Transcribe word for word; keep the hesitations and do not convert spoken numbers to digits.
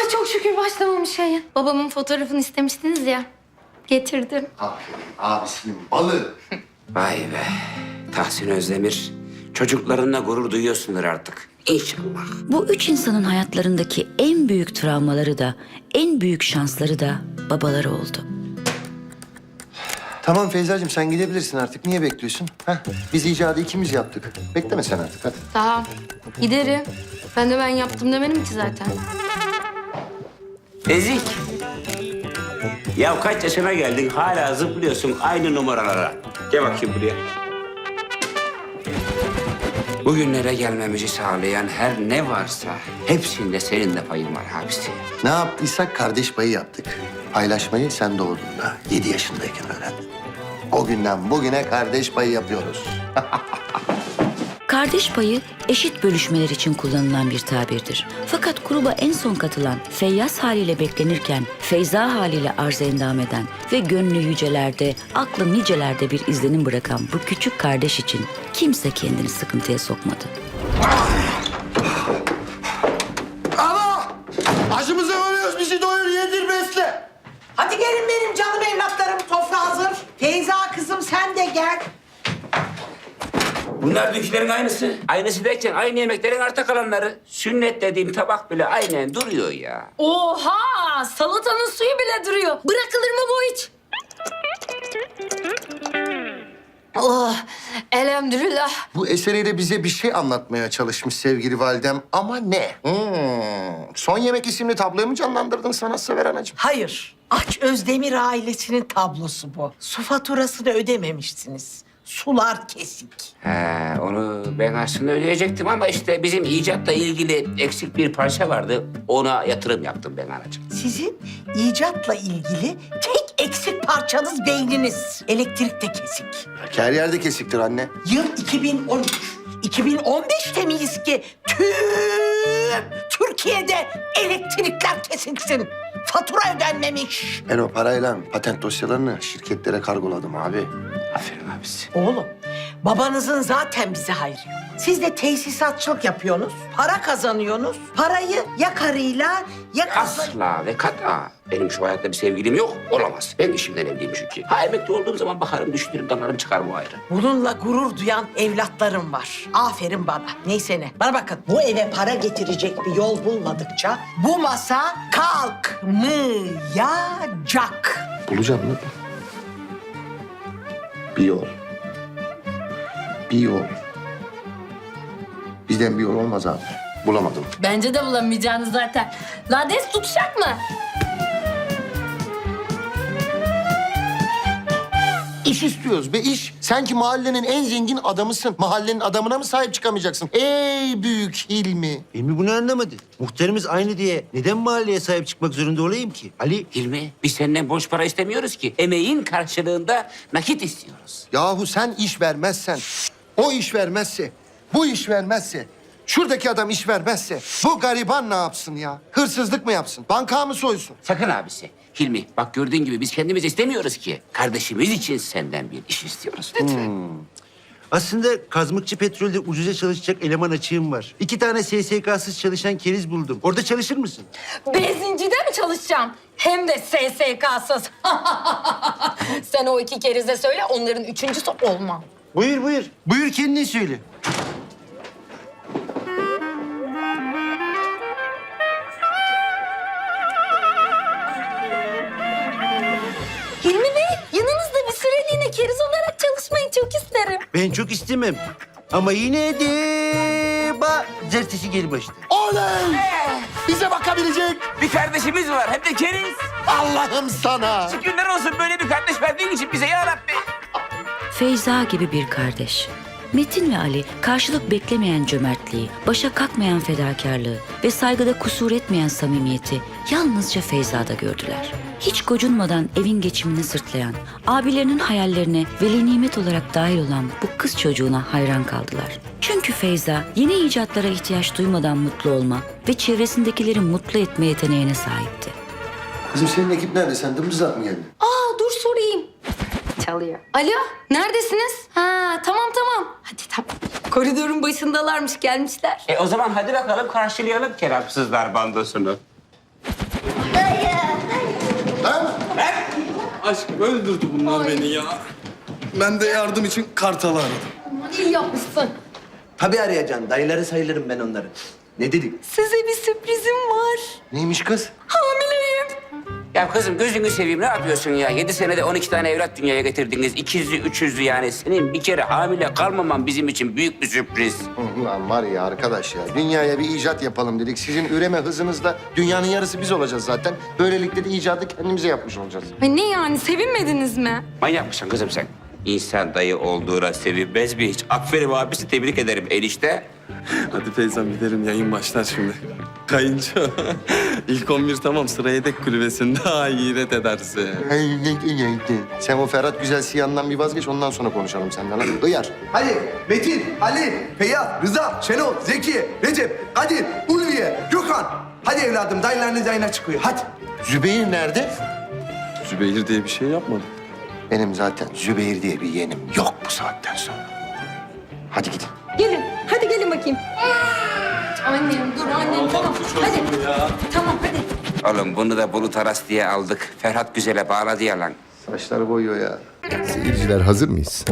Ay çok şükür başlamamış yayın. Babamın fotoğrafını istemiştiniz ya. Getirdim. Aferin abisinin balı. Vay be. Tahsin Özdemir. Çocuklarınla gurur duyuyorsundur artık. İnşallah. Bu üç insanın hayatlarındaki en büyük travmaları da, en büyük şansları da babaları oldu. Tamam Feyza'cığım sen gidebilirsin artık. Niye bekliyorsun? Heh, biz icadı ikimiz yaptık. Bekleme sen artık hadi. Tamam. Giderim. Ben de ben yaptım demedim ki zaten. Ezik. Ya kaç yaşına geldin hala zıplıyorsun aynı numaralara. Gel bakayım buraya. Bugünlere gelmemizi sağlayan her ne varsa hepsinde senin de payın var abisi. Ne yaptıysak kardeş payı yaptık. Paylaşmayı sen doğduğunda yedi yaşındayken öğrendin. O günden bugüne kardeş payı yapıyoruz. Kardeş payı eşit bölüşmeler için kullanılan bir tabirdir. Fakat gruba en son katılan, Feyyaz haliyle beklenirken Feyza haliyle arz endam eden ve gönlü yücelerde, aklı nicelerde bir izlenim bırakan bu küçük kardeş için kimse kendini sıkıntıya sokmadı. Ana! Acımızı ölüyoruz, bizi doyur, yedir, besle. Hadi gelin benim canım evlatlarım, sofra hazır. Feyza kızım sen de gel. Bunlar dünkülerin aynısı. Aynısı derken aynı yemeklerin arta kalanları. Sünnet dediğim tabak bile aynen duruyor ya. Oha! Salatanın suyu bile duruyor. Bırakılır mı bu hiç? Oh, elhamdülillah. Bu eseriyle bize bir şey anlatmaya çalışmış sevgili validem ama ne? Hmm. Son Yemek isimli tabloyu mu canlandırdın sanatsever anacığım? Hayır, Aç Özdemir ailesinin tablosu bu. Su faturasını ödememişsiniz. Sular kesik. He, onu ben aslında ödeyecektim ama işte bizim icatla ilgili eksik bir parça vardı. Ona yatırım yaptım ben anacığım. Sizin icatla ilgili tek eksik parçanız beyniniz. Elektrik de kesik. Her yerde kesiktir anne. Yıl iki bin on üç. iki bin on beşte miyiz ki tüm Türkiye'de elektrikler kesiksin. Fatura ödenmemiş. Ben o parayla patent dosyalarını şirketlere kargoladım abi. Aferin abisi. Oğlum, babanızın zaten bize hayrı yok. Siz de tesisatçılık yapıyorsunuz, para kazanıyorsunuz. Parayı ya karıyla ya kızla... Asla ve kat'a. Benim şu hayatta bir sevgilim yok, olamaz. Ben işimden evliyim çünkü. Ha emekli olduğum zaman bakarım, düşünürüm, damarım çıkar bu ayrı. Bununla gurur duyan evlatlarım var. Aferin bana. Neyse ne. Bana bakın, bu eve para getirecek bir yol bulmadıkça bu masa kalkmayacak. Bulacağım lan. Bir yol. Bir yol. Bizden bir yol olmaz abi. Bulamadım. Bence de bulamayacağınız zaten. Lades tutacak mı? İş istiyoruz be iş. Sen ki mahallenin en zengin adamısın. Mahallenin adamına mı sahip çıkamayacaksın? Ey büyük Hilmi. Hilmi bunu anlamadı. Muhtarımız aynı diye neden mahalleye sahip çıkmak zorunda olayım ki? Ali, Hilmi, biz senden borç para istemiyoruz ki. Emeğin karşılığında nakit istiyoruz. Yahu sen iş vermezsen, o iş vermezse, bu iş vermezse, şuradaki adam iş vermezse bu gariban ne yapsın ya? Hırsızlık mı yapsın? Banka mı soysun? Sakın abisi. Hilmi, bak gördüğün gibi biz kendimiz istemiyoruz ki. Kardeşimiz için senden bir iş istiyoruz. Lütfen. aslında kazmıkçı petrolde ucuza çalışacak eleman açığım var. İki tane S S K'sız çalışan keriz buldum. Orada çalışır mısın? Benzincide mi çalışacağım? Hem de S S K'sız. Sen o iki kerize söyle, onların üçüncüsü olmam. Buyur buyur. Buyur kendin söyle. Hilmi Bey, yanınızda bir süreliğine keriz olarak çalışmayı çok isterim. Ben çok istemem. Ama yine de ba zertesi gel başta. Oley! Bize bakabilecek Bir kardeşimiz var, hem de keriz. Allah'ım sana. Şükürler olsun böyle bir kardeş verdiğin için bize ya Rabbi. Feyza gibi bir kardeş. Metin ve Ali karşılık beklemeyen cömertliği, başa kalkmayan fedakarlığı ve saygıda kusur etmeyen samimiyeti yalnızca Feyza'da gördüler. Hiç gocunmadan evin geçimini sırtlayan, abilerinin hayallerine veli nimet olarak dahil olan bu kız çocuğuna hayran kaldılar. Çünkü Feyza yeni icatlara ihtiyaç duymadan mutlu olma ve çevresindekileri mutlu etme yeteneğine sahipti. Kızım senin ekip nerede? Sen dımdızlak mı geldin? Aa, dur sorayım. Çalıyor. Alo, neredesiniz? Ha, tamam tamam. Hadi tamam. Koridorun başındalarmış, gelmişler. E o zaman hadi bakalım karşılayalım kelamsızlar bandosunu. Lan! Aşk öldürdü bunlar beni ya. Ben de yardım için Kartal'ı aradım. İyi yapmışsın. Tabii arayacaksın. Dayıları sayılırım ben onları. Ne dedik? Size bir sürprizim var. Neymiş kız? Hamileyim. Ya kızım gözünü seveyim ne yapıyorsun ya? Yedi senede on iki tane evlat dünyaya getirdiniz. İkizli, üçüzlü yani. Senin bir kere hamile kalmaman bizim için büyük bir sürpriz. Ulan var ya arkadaş ya, dünyaya bir icat yapalım dedik. Sizin üreme hızınızla dünyanın yarısı biz olacağız zaten. Böylelikle de icadı kendimize yapmış olacağız. Ay ne yani sevinmediniz mi? Manyak mısın kızım sen? İnsan dayı olduğuna sevinmez mi hiç? Aferin abisi, tebrik ederim enişte. Hadi Feyzam gidelim, yayın başlar şimdi. Kayınço, ilk on bir tamam, sıra yedek kulübesinde hayret edersin. Sen o Ferhat Güzel Siyan'dan bir vazgeç, ondan sonra konuşalım senden. Hadi Hıyar. Hadi Metin, Ali, Feyyaz, Rıza, Şenol, Zeki, Recep, Kadir, Ulviye, Gökhan. Hadi evladım, dayılarınız yayına çıkıyor. Hadi. Zübeyir nerede? Zübeyir diye bir şey yapmadım. Benim zaten Zübeyir diye bir yeğenim yok bu saatten sonra. Hadi gidin. Gelin. Hadi gelin bakayım. Annem dur annem tamam. Hadi. Ya. Tamam hadi. Oğlum bunu da Bulut Aras diye aldık. Ferhat Güzel'e bağladı ya lan. Saçları boyuyor ya. Seyirciler hazır mıyız?